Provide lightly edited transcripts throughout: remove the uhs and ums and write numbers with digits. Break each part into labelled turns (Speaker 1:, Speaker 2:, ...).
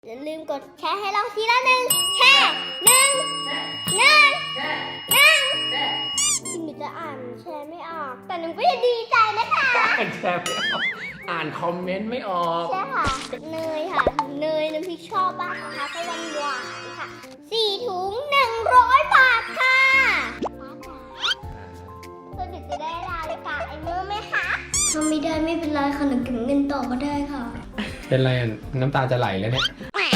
Speaker 1: อย่าลืมกดแชร์ให้เราทีละ1 แชร์ที่หนูจะอ่านแชร์ไม่ออกแต่หนูก็จะดีใจนะคะ
Speaker 2: อ่านแชร์ไม่ออกอ่านคอมเมนต์ไม่ออก
Speaker 1: ใช่ค่ะเนยค่ะเนยน้ำพริกชอบมากนะคะก็หวานค่ะ4 ถุง 100 บาทค่ะป้าจ๋าเพื่อจะได้นาฬิกาไอเมอร์ไหมคะทำไม่ได้ไม่เป็นไรค่ะหนูเก็บเงินต่อก็ได้ค่ะ
Speaker 2: เป็นไรอ่ะน้ำตาจะไหลแล้วเนี่ย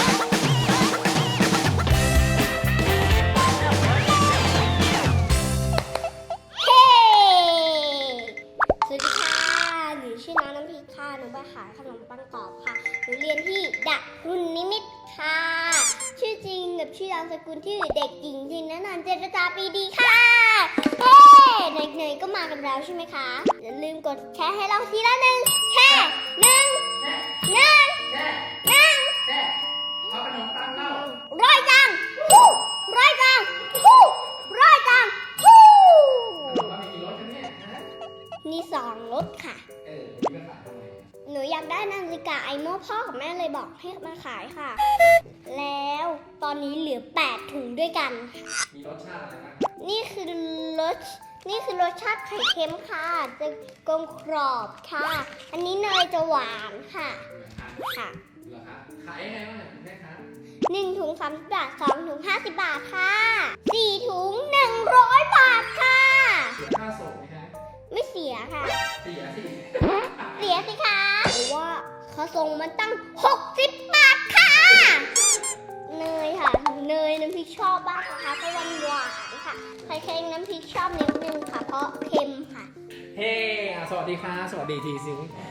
Speaker 1: สวัสดีค่ะหนูชื่อน้องน้ำพริกค่ะหนูมาขายขนมปังกรอบค่ะหนูเรียนที่ดักรุ่นนิมิตค่ะชื่อจริงกับชื่อนามสกุลที่เด็กหญิงจินนันท์เจรจาปีดีค่ะเฮ้เนยก็มากันแล้วใช่ไหมคะอย่าลืมกดแชร์ให้เราทีละ1 แชร์
Speaker 2: เอาขนมปังเล่า
Speaker 1: ร้อยจังร้อยจังร้อยจัง
Speaker 2: ขนมปังมีกี่รสกันเนี่ยฮะ
Speaker 1: มี2 รสค่ะ
Speaker 2: มีมาขายทำไม
Speaker 1: หนูอยากได้นาฬิกาไอโม่พ่อกับแม่เลยบอกให้มาขายค่ะแล้วตอนนี้เหลือ8 ถุงด้วยกัน
Speaker 2: มีรสชาติอะไรนะ
Speaker 1: นี่คือรสชาติไข่เค็มค่ะจะกลมกรอบค่ะอันนี้เนยจะหวานค่ะค่ะ
Speaker 2: เหรอคะขายยังไงบ้างคุณแม่คะ
Speaker 1: 1 ถุง30 บาท2 ถุง50 บาทค่ะ4 ถุง 100 บาทค่ะ
Speaker 2: เสียค่าส่งไหมคะ
Speaker 1: ไม่เสียค่ะ
Speaker 2: เสียสิ
Speaker 1: คะเพราะว่าเขาส่งมันตั้ง60 บาทค่ะเนยค่ะเนยน้ำพริกชอบมากนะคะเพราะหวานค่ะใครเค็มน้ำพริกชอบนิดนึงค่ะเพราะเค็มค่ะ
Speaker 2: เฮ้สวัสดีค่ะสวัสดีทีซิ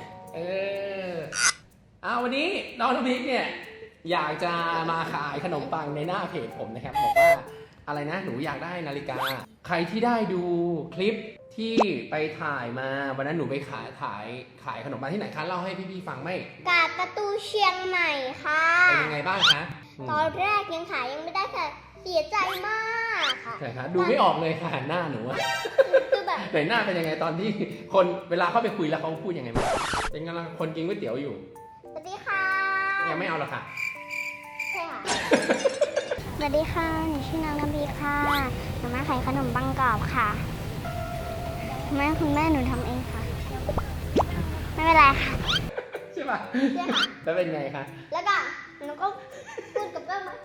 Speaker 2: วันนี้น้องน้ำพริกเนี่ยอยากจะมาขายขนมปังในหน้าเพจผมนะครับบอกว่าอะไรนะหนูอยากได้นาฬิกาใครที่ได้ดูคลิปที่ไปถ่ายมาวันนั้นหนูไปขายขนมปังที่ไหนคะเล่าให้พี่ๆฟังไหม
Speaker 1: กาดประตูเชียงใหม่ค่ะ
Speaker 2: เป็นยังไงบ้างคะ
Speaker 1: ตอนแรกยังขายยังไม่ได้ค่ะเสียใจมากค่ะ
Speaker 2: ใช่คะดูไม่ออกเลยค่ะหน้าหนูอะ
Speaker 1: คือแบบ
Speaker 2: แต่หน้าเป็นยังไงตอนที่คนเวลาเข้าไปคุยแล้วเขาพูดยังไงบ้างเป็นกำลังคนกินก๋วยเตี๋ยวอยู่
Speaker 1: สวัสดีค่ะ
Speaker 2: ยังไม่เอาหรอกค่ะ
Speaker 1: ใช่ค่ะสวัสดีค่ะหนูชื่อนางน้ำพริกค่ะหนูมาขายขนมปังกรอบค่ะคุณแม่หนูทำเองค่ะไม่เป็นไรค่ะ
Speaker 2: ใช่ป่ะ
Speaker 1: ใช่ค่ะ
Speaker 2: แล้วเป็นไงคะ
Speaker 1: แล้วก็หนูก็พูดกับเพื่อนมา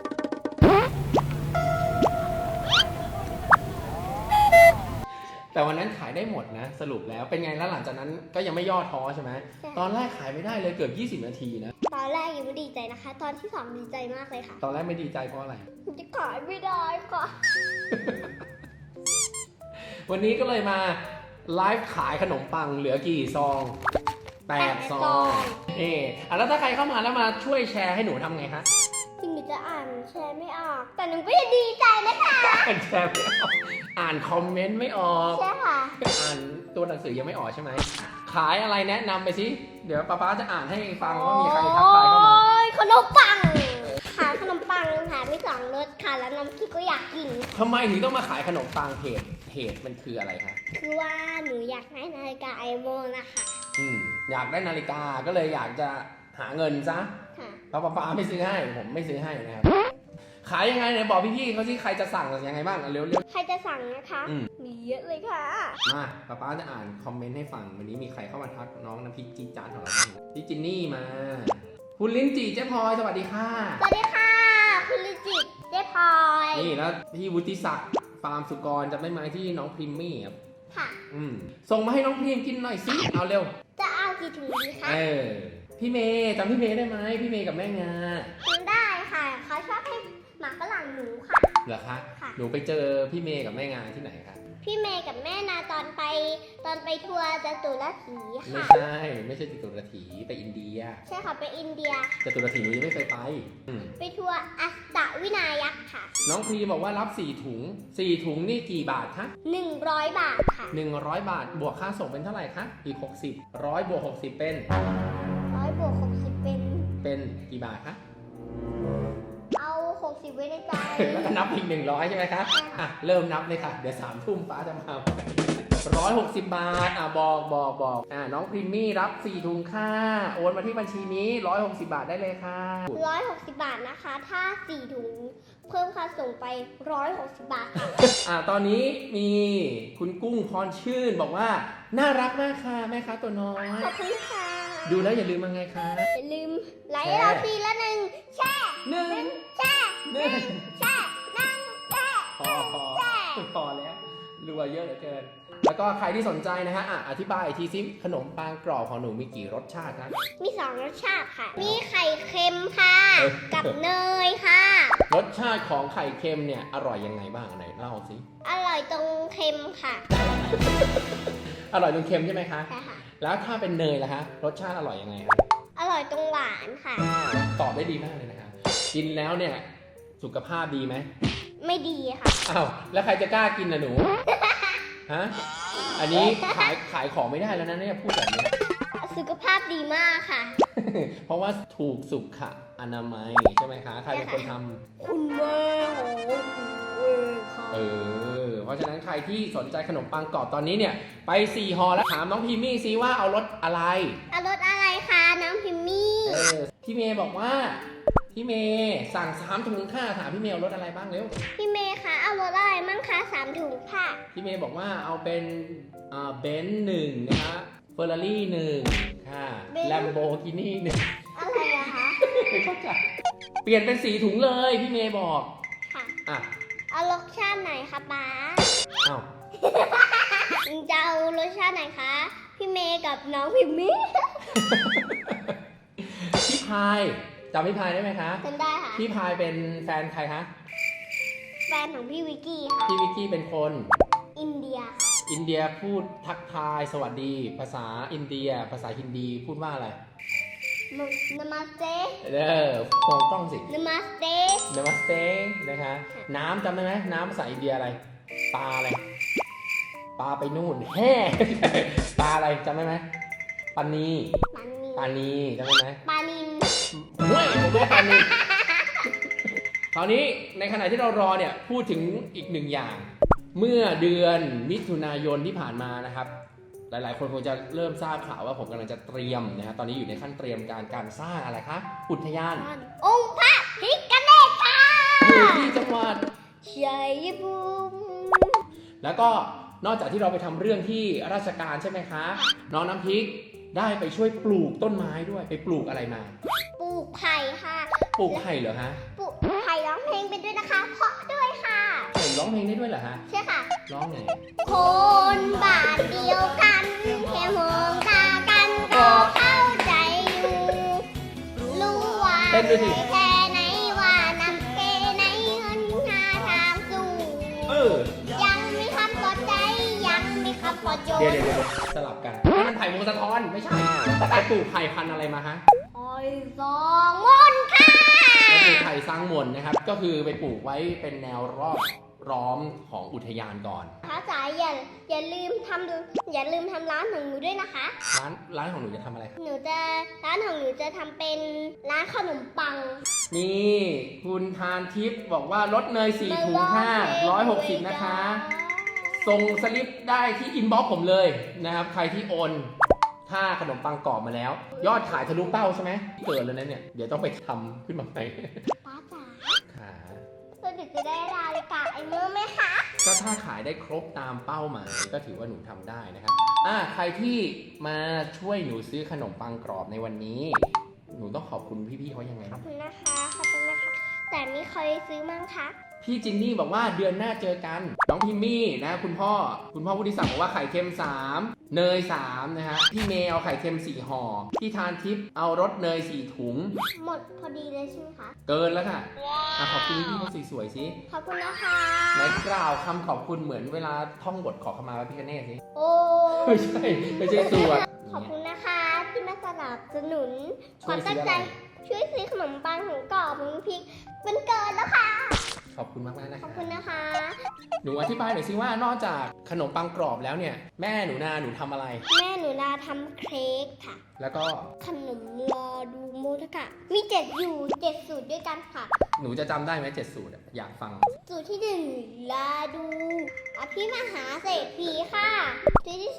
Speaker 2: แต่วันนั้นขายได้หมดนะสรุปแล้วเป็นไงแล้วหลังจากนั้นก็ยังไม่ย่อท้อใช่ไหมตอนแรกขายไม่ได้เลยเกือบ20 นาทีนะ
Speaker 1: ตอนแรกยังไม่ดีใจนะคะตอนที่2ดีใจมากเลยค่ะ
Speaker 2: ตอนแรกไม่ดีใจเพราะอะไร
Speaker 1: จะขายไม่ได้ค่ะ
Speaker 2: วันนี้ก็เลยมาไลฟ์ขายขนมปังเหลือกี่ซอง8 ซองแล้วถ้าใครเข้ามาแล้วมาช่วยแชร์ให้หนูทำไงคะ
Speaker 1: ถึงหนูจะอ่านแชร์ไม่ออกแต่หนูก็จะดีใจนะคะ
Speaker 2: อ่านแชร์ไม่ออกอ่านคอมเมนต์ไม่ออก
Speaker 1: ใช่ค่ะ
Speaker 2: อ่านตัวหนังสือยังไม่ออกใช่ไหมขายอะไรแนะนำไปสิเดี๋ยวป๊าจะอ่านให้ฟังว่ามีใครทักทายเข้ามา
Speaker 1: ขนมปังขายขนมปังค่ะมี2 รสค่ะแล้วน้ำพริกก็อยากกิน
Speaker 2: ทำไมถึงต้องมาขายขนมปังเหตุมันคืออะไรคะ
Speaker 1: คือว่าหนูอยากได้นาฬิกาไอโม่นะคะ
Speaker 2: อยากได้นาฬิกาก็เลยอยากจะหาเงินซะเพราะป๊าไม่ซื้อให้ผมไม่ซื้อให้นะครับขายยังไงเนี่ยบอกพี่ๆเขาสิใครจะสั่งยังไงบ้างเร็ว
Speaker 1: ใครจะสั่งนะคะมีเยอะเลยค่ะ
Speaker 2: มาป๊าจะอ่านคอมเมนต์ให้ฟังวันนี้มีใครเข้ามาทักน้องน้ำพริกจี๊ดจ๊าดของเราบ้างพี่จินนี่มาคุณลิ้นจี่เจ๊พลอยสวัสดีค่ะ
Speaker 1: สวัสดีค่ะคุณลิ้นจี่เจ๊พลอย
Speaker 2: นี่แล้วพี่วุฒิศักดิ์ฟาร์มสุกรจำได้ไหมที่น้องพริมมี่ครับ
Speaker 1: ค่ะ
Speaker 2: ส่งมาให้น้องพริมกินหน่อยสิเอาเร็ว
Speaker 1: จะเอากี่ถุงดีคะ
Speaker 2: พี่เมย์จำพี่เมย์ได้ไหมพี่เมย์กับแม่งา
Speaker 1: จำได้ค่ะเขาชอบให้หมาฝรั่งหนูค่ะ
Speaker 2: เหรอคะหนูไปเจอพี่เมย์กับแม่งาที่ไหนคะ
Speaker 1: พี่เมย์กับแม่นาตอนไปทัวร์จตุรถีค่ะ
Speaker 2: ไม่ใช่จตุรถีไปอินเดีย
Speaker 1: ใช่ค่ะไปอินเดีย
Speaker 2: จตุรถีหนูยังไม่เคย
Speaker 1: ไปทัวร์อัสตวินายักษ์ค่ะ
Speaker 2: น้องพรีบอกว่ารับ4 ถุงนี่กี่บาทคะ
Speaker 1: 100 บาทค่ะ
Speaker 2: 100 บาทบวกค่าส่งเป็นเท่าไหร่คะอีก60 100 บวก 60เป็น
Speaker 1: 100 บวก 60
Speaker 2: เป็นกี่บาทคะ
Speaker 1: เอา60ไว้ในใจ
Speaker 2: แล้วก็นับอีก100ใช่ไหมคะเริ่มนับเลยค่ะเดี๋ยว3 ทุ่มป้าจะมา 160 บาทบอกน้องพริมมี่รับ4ถุงค่ะโอนมาที่บัญชีนี้160 บาทได้เลยค่ะ
Speaker 1: 160 บาทนะคะ ถ้า4ถุงเพิ่มค่าส่งไป160 บาทค่ะ
Speaker 2: ตอนนี้มีคุณกุ้งพรชื่นบอกว่าน่ารักมากค่ะแม่ค้าตัวน้อย
Speaker 1: ขอบคุณค่ะ
Speaker 2: ดูแล้วอย่าลืมมาไงคะ
Speaker 1: อย่าลืมไลค์เราทีละ1 แช่
Speaker 2: หนึ่ง
Speaker 1: แช่
Speaker 2: หนึ่ง
Speaker 1: แช่แช่
Speaker 2: พอแล้วรัวเยอะเหลือเกิน แล้วก็ใครที่สนใจนะฮะอธิบายอีกทีซิขนมปังกรอบของหนูมีกี่รสชาตินะ
Speaker 1: มี2 รสชาติค่ะ มีไข่เค็มค่ะ
Speaker 2: เออ
Speaker 1: กับเนยค่ะ
Speaker 2: รสชาติของไข่เค็มเนี่ยอร่อยยังไงบ้างไหนเล่าสิ
Speaker 1: อร่อยตรงเค็มค่ะ
Speaker 2: อร่อยตรงเค็มใช่ไหมคะ
Speaker 1: ใช่ค่ะ
Speaker 2: แล้วถ้าเป็นเนยล่ะคะรสชาติอร่อยยังไงคะ
Speaker 1: อร่อยตรงหวานค่ะ
Speaker 2: ตอบได้ดีมากเลยนะคะกินแล้วเนี่ยสุขภาพดีไหม
Speaker 1: ไม่ดีค่ะ
Speaker 2: อ้าวแล้วใครจะกล้ากินล่ะหนู ฮะ อันนี้ขายของไม่ได้แล้วนะเนี่ยพูดแบบนี้
Speaker 1: สุขภาพดีมากค่ะ
Speaker 2: เพราะว่าถูกสุขอนามัยใช่ไหมคะ ใครเป็นคนทำ
Speaker 1: คุณแม่ของค่ะ
Speaker 2: เพราะฉะนั้นใครที่สนใจขนมปังกรอบตอนนี้เนี่ยไป4ห่อแล้วถามน้องพิมมี่ซิว่าเอารสอะไร
Speaker 1: เอารสอะไรคะน้องพิมมี่
Speaker 2: พี่เมย์บอกว่าพี่เมย์สั่ง3ถุงค่ะถามพี่เมย์เอารสอะไรบ้างเร็ว
Speaker 1: พี่เมย์คะเอารสอะไรมั่งคะ3 ถุงค่ะ
Speaker 2: พี่เมย์บอกว่าเอาเป็นเบนซ์1นะคะเฟอร์รารี่1ค่ะ
Speaker 1: Benz
Speaker 2: แลมโบกินี่1
Speaker 1: อะไรอะคะ
Speaker 2: ไม่เข้าใจเปลี่ยนเป็น4ถุงเลยพี่เมย์บอก
Speaker 1: ค่ะ
Speaker 2: อ่ะ
Speaker 1: เอารสชาติไหนคะป๊า
Speaker 2: อ้าว
Speaker 1: จะเอารสชาติไหนคะ พี่เมย์กับน้องพิมมี่
Speaker 2: พี่พายจำพี่พายได้ไหมคะ
Speaker 1: จำได้ค่ะ
Speaker 2: พี่พายเป็นแฟนใครคะ
Speaker 1: แฟนของพี่วิกกี้ค่ะ
Speaker 2: พี่วิกกี้เป็นคน
Speaker 1: อินเดีย
Speaker 2: อินเดียพูดทักทายสวัสดี ภาษาอินเดีย ภาษาฮินดีพูดว่าอะไร
Speaker 1: นามาสเต
Speaker 2: มองกล้องสิ
Speaker 1: นามาสเต
Speaker 2: นามัสเตนะคะ น้ำจำได้ไหมน้ำภาษาอินเดียอะไร ปลาอะไร ปลาไปนู่นแห่ ปลาอะไรจำได้ไหมปานี
Speaker 1: ปานี
Speaker 2: จำได้ไหม
Speaker 1: ปานิน
Speaker 2: เฮ้ยผมไม่ปานีคราวนี้ในขณะที่เรารอเนี่ยพูดถึงอีกหนึ่งอย่าง เมื่อเดือนมิถุนายนที่ผ่านมานะครับ หลายๆ คนคงจะเริ่มทราบข่าวว่าผมกำลังจะเตรียมนะครับตอนนี้อยู่ในขั้นเตรียมการสร้างอะไรคะอุทยาน
Speaker 1: องค์พระพิฆเนศค่ะ
Speaker 2: อยู่ที่จังหวัด
Speaker 1: ชัยภูมิ
Speaker 2: แล้วก็นอกจากที่เราไปทำเรื่องที่ราชการใช่ไหมคะ น้องน้ำพริกได้ไปช่วยปลูกต้นไม้ด้วยไปปลูกอะไรมา
Speaker 1: ปลูกไผ่ค่ะ
Speaker 2: ปลูกไผ่เหรอฮะ
Speaker 1: ปลูกไผ่ร้องเพลงไปด้วยนะคะ เพราะด้วยค่ะ
Speaker 2: ไผ่ร้องเพลงได้ด้วยเหรอฮะ
Speaker 1: ใช่ค่ะ
Speaker 2: ร้องไง
Speaker 1: คนบ้านเดียวกันแค่มองตากันก็เข้าใจอยู่รู้ว่า
Speaker 2: เต้นด้วยดิ
Speaker 1: แค่ไหนว่านำเกไหนเงินหาทางสู้ ยังมีคำปลอบใจยังมีคำปลอบโยน
Speaker 2: เดี๋ยวสลับกันนี่มันไผ่วงสะท้อนไม่ใช่ไปปลูกไผ่พันธุ์อะไรมาฮะ
Speaker 1: คอยสองมนต์ค่ะ
Speaker 2: ไปปลูกไผ่สร้างมนต์นะครับ ก็คือไปปลูกไว้เป็นแนวรอบล้อมของอุทยานก่อน
Speaker 1: พระจ๋าอย่าลืมทำร้านของหนูด้วยนะคะ
Speaker 2: ร้านของหนูจะทำอะไรครับ
Speaker 1: ร้านของหนูจะทำเป็นร้านขนมปัง
Speaker 2: นี่คุณทานทิพย์บอกว่าลดเนย4ถุงค่ะ160นะคะ ส่งสลิปได้ที่อินบ็อกซ์ผมเลยนะครับ ใครที่โอนค่าขนมปังกรอบมาแล้ว ยอดขายทะลุเป้าใช่ไหมเกิดเลยนะเนี่ย เดี๋ยวต้องไปทำขึ้นมาใหม่
Speaker 1: ป้าจ๋า
Speaker 2: ค่ะ
Speaker 1: เราจะได้นาฬิกาไอเมอร์ไหมคะ
Speaker 2: ก็ถ้าขายได้ครบตามเป้าหมายก็ถือว่าหนูทำได้นะครับใครที่มาช่วยหนูซื้อขนมปังกรอบในวันนี้ หนูต้องขอบคุณพี่ๆเขายังไง
Speaker 1: ขอ
Speaker 2: นะ
Speaker 1: บคุณนะคะ ขอบคุณนะคะ แต่มีใครซื้อมั้งคะ
Speaker 2: พี่จินนี่บอกว่าเดือนหน้าเจอกัน น้องพิมมี่นะคุณพ่อวุฒิศักดิ์บอกว่าไข่เค็ม3เนย3นะฮะพี่เมย์เอาไข่เค็ม4ห่อพี่ทานทิพย์เอารสเนย4ถุง
Speaker 1: หมดพอดีเลยใช่ไหมคะ
Speaker 2: เกินแล้วค่ะขอบคุณพี่ๆเขาสวยๆสิ
Speaker 1: ขอบคุณนะคะ
Speaker 2: ไหนกล่าวคำขอบคุณเหมือนเวลาท่องบทขอขมาพระพิฆเนศสิ
Speaker 1: โอ้
Speaker 2: ไม่ใช่สวด
Speaker 1: ขอบคุณนะคะที่มาสนับสนุนค
Speaker 2: ช่ว
Speaker 1: วาย ม
Speaker 2: ซื้
Speaker 1: ตั้
Speaker 2: อง อะไร
Speaker 1: ใจช่วยซื้อขนมปังของกรอบของพริกมันเกินแล้วค่ะ
Speaker 2: ขอบคุณมากๆนะ
Speaker 1: ข
Speaker 2: คะ
Speaker 1: อบคุณนะคะ
Speaker 2: หนูอธิบายหน่อยสิว่านอกจากขนมปังกรอบแล้วเนี่ยแม่หนูนาหนูทำอะไร
Speaker 1: แม่หนูนาทำเค้กค่ะ
Speaker 2: แล้วก็
Speaker 1: ขนมรอดูโมทะค่ะ มี7อยู่7สูตรด้วยกันค่ะ
Speaker 2: หนูจะจำได้ไหม7 สูตรอะอยากฟัง
Speaker 1: สูตรที่1ลาดูอภิมหาเศรษฐีค่ะสูตรที่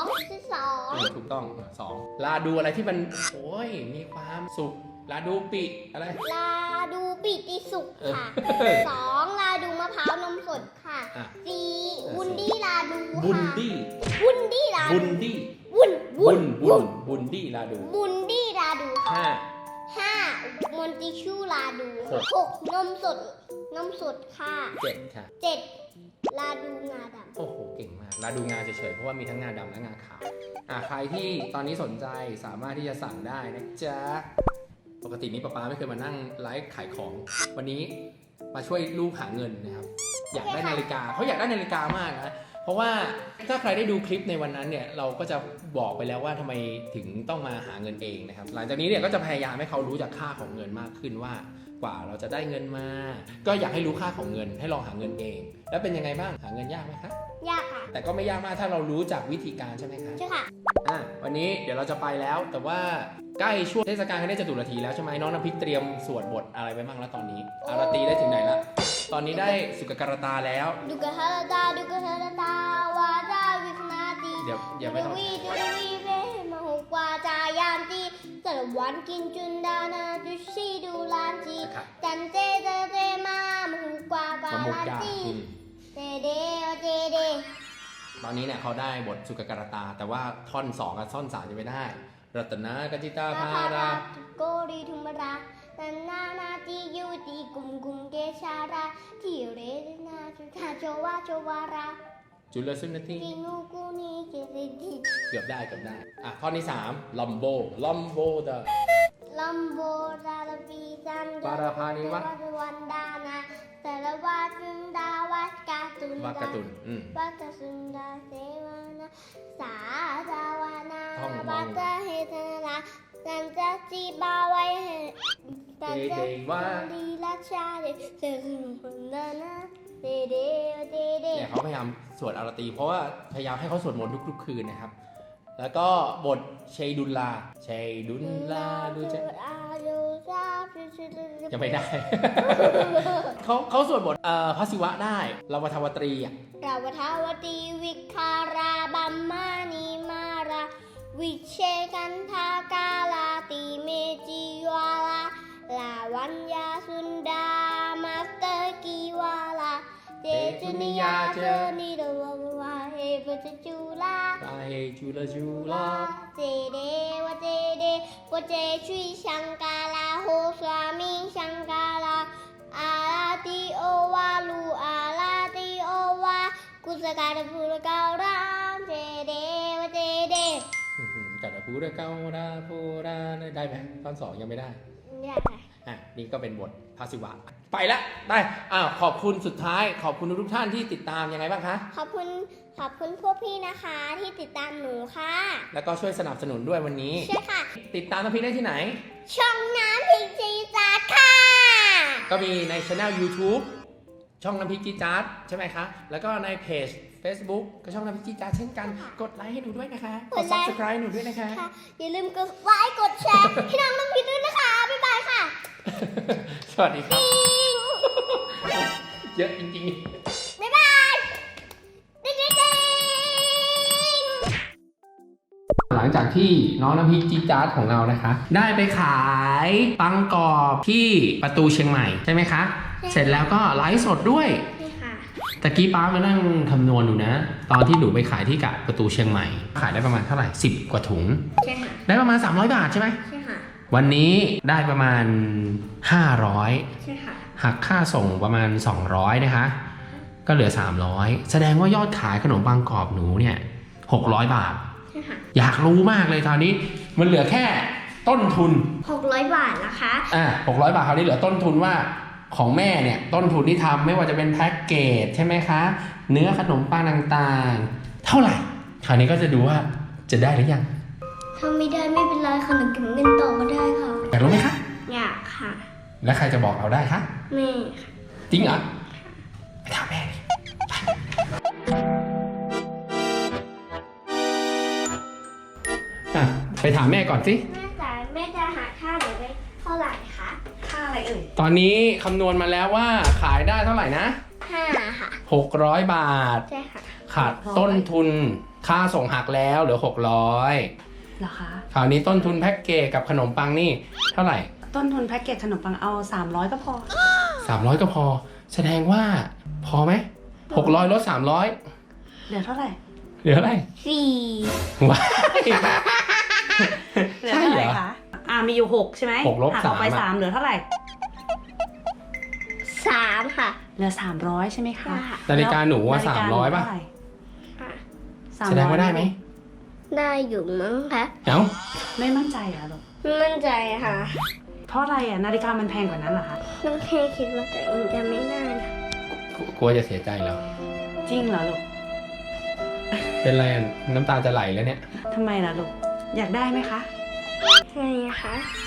Speaker 1: 2
Speaker 2: ถูกต้อง2ลาดูอะไรที่มันโอ้ยมีความสุขลาดูปิอะไร
Speaker 1: ลาดูปิติสุขค่ะ
Speaker 2: เออ
Speaker 1: 2ลาดูมะพร้าวนมสดค่ะ
Speaker 2: อ่ะ
Speaker 1: 4วุนดี้ลาดู
Speaker 2: บุน
Speaker 1: ค่ะ
Speaker 2: ดี้
Speaker 1: วุนดี้ลา
Speaker 2: บุ
Speaker 1: ดู
Speaker 2: นดี้
Speaker 1: วุน
Speaker 2: บุนดี้ลาดู
Speaker 1: บุนดี้ลาดูค่ะ
Speaker 2: ห้า
Speaker 1: 5มอนติชูลาดู 6นมสดค่ะ
Speaker 2: 7ค่ะ
Speaker 1: 7ลาดูงาดำ
Speaker 2: โอ้โหเก่งมากลาดูงาเฉยๆเพราะว่ามีทั้งงาดำและงาขาวใครที่ตอนนี้สนใจสามารถที่จะสั่งได้นะจ๊ะปกตินี้ป๊าไม่เคยมานั่งไลฟ์ขายของ วันนี้มาช่วยลูกหาเงินนะครับ อยากได้นาฬิกาเขาอยากได้นาฬิกามากนะเพราะว่าถ้าใครได้ดูคลิปในวันนั้นเนี่ยเราก็จะบอกไปแล้วว่าทำไมถึงต้องมาหาเงินเองนะครับหลังจากนี้เนี่ยก็จะพยายามให้เขารู้จักค่าของเงินมากขึ้นว่ากว่าเราจะได้เงินมา ก็อยากให้รู้ค่าของเงินให้ลองหาเงินเอง แล้วเป็นยังไงบ้างหาเงินยากไหมคะ
Speaker 1: ยากค่ะ
Speaker 2: แต่ก็ไม่ยากมากถ้าเรารู้จักวิธีการใช่ไหมคะ
Speaker 1: ใช่ค่ะ
Speaker 2: วันนี้เดี๋ยวเราจะไปแล้ว แต่ว่าใกล้ช่วงเทศกาลคณะจตุรถีแล้วใช่ไหมน้องน้ำพริกเตรียมสวดบทอะไรไปบ้างแล้วตอนนี้อารตีได้ถึงไหนละตอนนี้ได้สุกการตาแล้ว
Speaker 1: ดูกะฮาราดาาวาดาวิคนาตี
Speaker 2: เดี๋ยวไม่ต้อง
Speaker 1: วีเวมหุกวาจายามตีสารวันกินจุนดานาดุชีดูลานจี
Speaker 2: นะครับ
Speaker 1: จันเจเจมามหุกวากวา
Speaker 2: มามุก
Speaker 1: ลาน
Speaker 2: ดา
Speaker 1: จี
Speaker 2: อืม
Speaker 1: เจเดเจเด
Speaker 2: ตอนนี้เนี่ยเขาได้บทสุกการตา แต่ว่าท่อน2กับท่อน3จะไม่ได้รัตนากจิตาภารา
Speaker 1: โกรีทุมรานันนานาตียูตีกุมกุมเกชาราที่เรนาจุทาโจวาโจวารา
Speaker 2: จุลสุนที
Speaker 1: กิงูกูนีเกเรดี
Speaker 2: เกือบได้ท่อนที่3ลัมโบเดอ
Speaker 1: ลัมโบราลปีจัน
Speaker 2: ปาราพานิวะ
Speaker 1: วันดานาสารวัตรุนดาวัดกาตุน
Speaker 2: วักกะตุน
Speaker 1: วัตสุนดาเสวนาสาดาวานา
Speaker 2: ท่องมอง
Speaker 1: วัตเฮตนาสันจะจีบาไว้สันจะ
Speaker 2: ว่า
Speaker 1: ลีลาชาเดเจอคนนาเดเดเดเด
Speaker 2: เนี่ยเขาพยายามสวดอารตี เพราะว่าพยายามให้เขาสวดมนต์ทุกๆคืนนะครับ แล้วก็บทเชยดุลลาดูจะยังไม่ได้ เขาสวดบทพระศิวะได้ลาวทวตรีอ่ะ
Speaker 1: ราวทาวตีวิคาราบัมมานีมาราวิเชกันทากาลาติเมจิวาลาลาวันยาสุนดามาสเตอร์กีวาลาเจจุนิยาเจนิโดวาเฮปจจูลา
Speaker 2: ตาเฮจุลา
Speaker 1: เจเดวเจเดวเจชุยชังกาลาโฮสวามิชังกาลาอาลาติโอวาลูอาลาติโอวากุสการพูรกาวรามเจเดวเจเด
Speaker 2: กัดพูดเการาพูราได้ไหมตอน2ยังไม่ได้
Speaker 1: เนี่ยค่ะ
Speaker 2: นี่ก็เป็นบทพระศิวะ ไปละได้ขอบคุณสุดท้ายขอบคุณทุกท่านที่ติดตามยังไงบ้างคะ
Speaker 1: ขอบคุณพวกพี่นะคะที่ติดตามหนูค่ะ
Speaker 2: แล้วก็ช่วยสนับสนุนด้วยวันนี้
Speaker 1: ใช่ค่ะ
Speaker 2: ติดตามน้ำพริกได้ที่ไหน
Speaker 1: ช่องน้ำพริกจีจาดค่ะ
Speaker 2: ก็มีในช anel YouTube ช่องน้ำพริกจีดจาร์ดใช่ไหมคะ แล้วก็ในเพจ Facebook ก็ช่องน้ำพริกจีดจาร์ดเช่นกัน กดไลค์ให้หนูด้วยนะคะ กด subscribe หนูด้วยนะคะ
Speaker 1: ค่ะ อย่าลืมกดไลค์กดแชร์ให้น้องน้ำพริกด้วยนะคะ บ๊ายบายค่ะ
Speaker 2: สวัสดีครับ
Speaker 1: ปิ๊ง
Speaker 2: เยอะจริงๆ
Speaker 1: บ๊ายบายติ๊งติ๊งติ๊ง
Speaker 2: หลังจากที่น้องน้ำพริกจี๊ดจ๊าดของเรานะคะ ได้ไปขายปังกรอบที่ประตูเชียงใหม่ใช่ไหมคะ เสร็จแล้วก็ไลฟ์สดด้วย
Speaker 1: ใช่ค่ะ
Speaker 2: ตะกี้ป้ามานั่งคำนวณดูนะ ตอนที่หนูไปขายที่กะประตูเชียงใหม่ ขายได้ประมาณเท่าไหร่10 กว่าถุง
Speaker 1: ใช่ค่ะ
Speaker 2: ได้ประมาณ300 บาทใช่ไหม
Speaker 1: ใช่ค่ะ
Speaker 2: วันนี้ได้ประมาณ500
Speaker 1: ใช่ค่ะ
Speaker 2: หักค่าส่งประมาณ200นะคะ ก็เหลือ300แสดงว่ายอดขายขนมปังกรอบหนูเนี่ย600 บาท
Speaker 1: ใช่ค่ะ
Speaker 2: อยากรู้มากเลยตอนนี้มันเหลือแค่ต้นทุน
Speaker 1: 600 บาทนะคะ
Speaker 2: 600 บาทคราวนี้เหลือต้นทุนว่าของแม่เนี่ยต้นทุนที่ทำไม่ว่าจะเป็นแพ็กเกจใช่ไหมคะ เนื้อขนมปังต่างๆ เท่าไหร่คราวนี้ก็จะดูว่าจะได้หรือยัง
Speaker 1: ถ้าไม่ได้ไม่เป็นไรค่ะหนูเก็บเงินต่อก็ได้ค่ะ
Speaker 2: อยากรู้ไหมคะ
Speaker 1: อยากค่ะ
Speaker 2: แล้วใครจะบอกเราได้คะ
Speaker 1: แม่ค่ะ
Speaker 2: จริงเหรอ
Speaker 1: ค
Speaker 2: ถามแม่ดิอ่ะไปถามแม่ก่อนสิ
Speaker 1: แม่จะหาค่าหนูไว้เท่าไหร่คะ
Speaker 3: ค่าอะไรเอ่ย
Speaker 2: ตอนนี้คำนวณมาแล้วว่าขายได้เท่าไหร่นะ
Speaker 1: 5 ค่ะ
Speaker 2: 600 บาท
Speaker 1: ใช่ค่ะ
Speaker 2: ขาดต้นทุนค่าส่งหักแล้วเหลือ 600
Speaker 3: เหรอคะ
Speaker 2: คราวนี้ต้นทุนแพ็กเกจกับขนมปังนี่เท่าไหร่
Speaker 3: ต้นทุนแพ็กเกจขนมปังเอา300ก็พอ
Speaker 2: 300 ก็พอ แสดงว่าพอไหม600ลด300
Speaker 3: เหลือเท่าไหร่
Speaker 2: เหลืออะไร
Speaker 1: 4
Speaker 2: ว้าย
Speaker 3: เหลือ
Speaker 2: ใช่
Speaker 3: เท่า
Speaker 2: เห
Speaker 3: ไห
Speaker 2: ร
Speaker 3: ร่
Speaker 2: อ
Speaker 3: คะมีอยู่6ใช่ไหม
Speaker 2: 6ลบ
Speaker 3: หักออกไป
Speaker 2: 3
Speaker 3: 3เหลือเท่าไหร่
Speaker 1: 3 ค่ะ
Speaker 3: เหลือ300ใช่ไหมคะ
Speaker 1: ใช่ค่ะ
Speaker 2: นาฬิกาหนูว่า
Speaker 3: นาฬิกาหนู
Speaker 2: 300 ป่ะ
Speaker 3: เท่าไหร่
Speaker 1: ค่ะ
Speaker 3: 300
Speaker 2: แสดงว่าได้ไหม
Speaker 1: ได้อยู่มั้งคะ
Speaker 2: เอ้า
Speaker 3: ไม่มั่นใจเหรอลูก
Speaker 1: ไม่มั่นใจค่ะ
Speaker 3: เพราะอะไรอ่ะนาฬิกามันแพงกว่านั้นเหรอคะ
Speaker 1: น้องแค่คิดว่าตัวเองจะไม่ได้นะ
Speaker 2: กลัวจะเสียใจแล้ว
Speaker 3: จริงเหรอลูก
Speaker 2: เป็นไรอะน้ำตาจะไหลแล้วเนี่ย
Speaker 3: ทำไมล่ะลูกอยากได้ไหมคะ
Speaker 1: ใช่คะ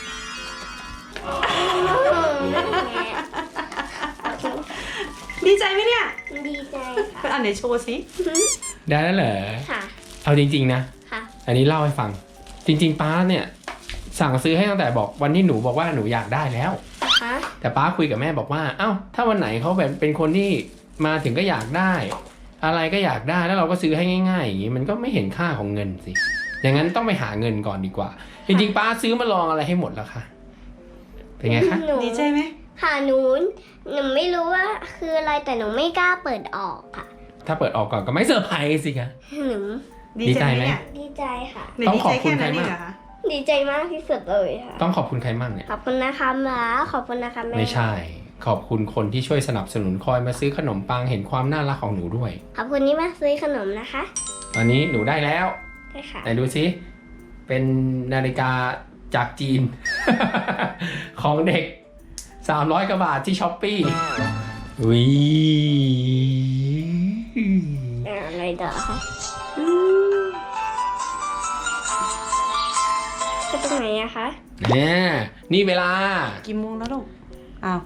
Speaker 3: ดีใจไหมเนี่ย
Speaker 1: ดีใจค่ะ
Speaker 3: อันไหนโชว์สิ
Speaker 2: ได้แล้วเหรอ
Speaker 1: ค่ะ
Speaker 2: เอาจริงๆนะ
Speaker 1: ค่ะ
Speaker 2: อันนี้เล่าให้ฟัง จริงๆป้าเนี่ยสั่งซื้อให้ตั้งแต่บอกวันที่หนูบอกว่าหนูอยากได้แล้ว
Speaker 1: คะ
Speaker 2: แต่ป้าคุยกับแม่บอกว่า เอ้า ถ้าวันไหนเขาแบบเป็นคนที่มาถึงก็อยากได้ อะไรก็อยากได้แล้วเราก็ซื้อให้ง่ายๆอย่างนี้มันก็ไม่เห็นค่าของเงินสิ อย่างนั้นต้องไปหาเงินก่อนดีกว่า จริงๆป้าซื้อมาลองอะไรให้หมดแล้วค่ะ เป็นไงคะ
Speaker 1: หนู
Speaker 3: ดีใจไหม
Speaker 1: ค่ะหนูไม่รู้ว่าคืออะไรแต่หนูไม่กล้าเปิดออกค่ะ
Speaker 2: ถ้าเปิดออกก่อนก็ไม่เซอร์ไพรส์สิคะ
Speaker 1: หนู
Speaker 2: ดีใจไหม
Speaker 3: เนี่ย
Speaker 1: ดีใจค่ะ
Speaker 3: หนู
Speaker 2: ต้อง
Speaker 3: ดี
Speaker 2: ขอ
Speaker 3: ใจ
Speaker 2: บคุ
Speaker 3: แค่
Speaker 2: ณใคร
Speaker 3: นั้นเอ
Speaker 2: มาก
Speaker 3: งเหรอคะ
Speaker 1: ดีใจมากที่สุดเลยค่ะ
Speaker 2: ต้องขอบคุณใครมั่งเนี่ย
Speaker 1: ขอบคุณนะคะหมาขอบคุณนะคะแม่
Speaker 2: ไม่ใช่ ขอบคุณคนที่ช่วยสนับสนุนคอยมาซื้อขนมปังเห็นความน่ารักของหนูด้วย
Speaker 1: ขอบคุณที่มาซื้อขนมนะคะ
Speaker 2: ตอนนี้หนูได้แล้ว
Speaker 1: ใช่ค่ะ
Speaker 2: ไหนดูสิเป็นนาฬิกาจากจีน ของเด็ก 300 กว่าบาทที่ช้อปปี้วิ
Speaker 1: อะไรต่อคะก็ตรงไหนอะคะ
Speaker 2: เนี่ยนี่เวลา
Speaker 3: กี่โมงแล้วลูกอ้าว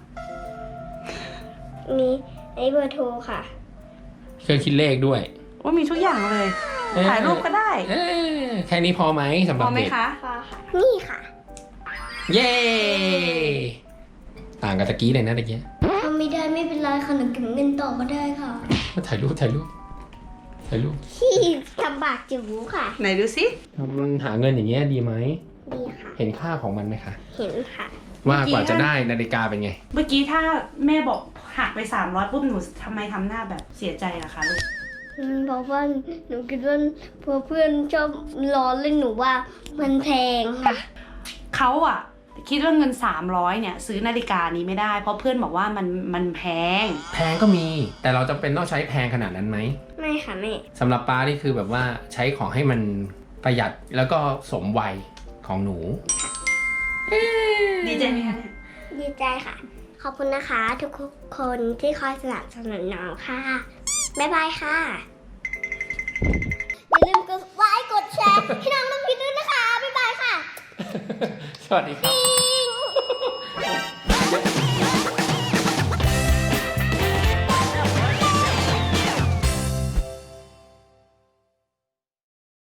Speaker 1: มีไอ้เบอร์โทรค่ะ
Speaker 2: เครื่องคิดเลขด้วย
Speaker 3: ว่ามีทุกอย่างเลย ถ่ายรูปก็ได้
Speaker 2: เอ้ยแค่นี้พอไหมสำห
Speaker 3: พ
Speaker 2: รับ
Speaker 3: อไหม
Speaker 2: เด็ก
Speaker 3: คะ
Speaker 1: พอค่ะ นี่ค่ะ
Speaker 2: เย้ ต่างกับตะกี้เลยนะตะกี้
Speaker 1: ทำไม่ได้ไม่เป็นไรค่ะหนูเก็บเงินต่อก็ได้ค่ะ
Speaker 2: ถ่ายรูปถ่ายรูปถ่ายรูป
Speaker 1: ที่ทำบากจิ๋วค่ะ
Speaker 3: ไหนดูสิ
Speaker 2: มันหาเงินอย่างเงี้ยดีไหม
Speaker 1: ดีค่ะ
Speaker 2: เห็นค่าของมันไหมคะ
Speaker 1: เห็นค่ะ
Speaker 2: ว่ากว่าจะได้นาฬิกาเป็นไง
Speaker 3: เมื่อกี้ถ้าแม่บอกหักไป300ปุ๊บหนูทำไมทำหน้าแบบเสียใจล่ะคะลูก
Speaker 1: เพราะว่าหนูคิดว่าเพื่อนชอบล้อเล่นหนูว่ามันแพงค่ะ
Speaker 3: เขาอะคิดว่าเงิน300เนี่ยซื้อนาฬิกานี้ไม่ได้ เพราะเพื่อนบอกว่ามันแพง
Speaker 2: แพงก็มี แต่เราจำเป็นต้องใช้แพงขนาดนั้นไหม
Speaker 1: ไม่ค่ะแม่
Speaker 2: สำหรับป้านี่คือแบบว่าใช้ของให้มันประหยัดแล้วก็สมวัยของหนู
Speaker 3: ดีใจไหมคะเนี่ย
Speaker 1: ดีใจค่ะ ขอบคุณนะคะ ทุกคนที่คอยสนับสนุนน้องค่ะ บ๊ายบายค่ะ อย่าลืมกดไลค์กดแชร์ให้น้องน้ำพิษด้วยนะคะ บ๊ายบายค่ะ
Speaker 2: สวัสดีครับ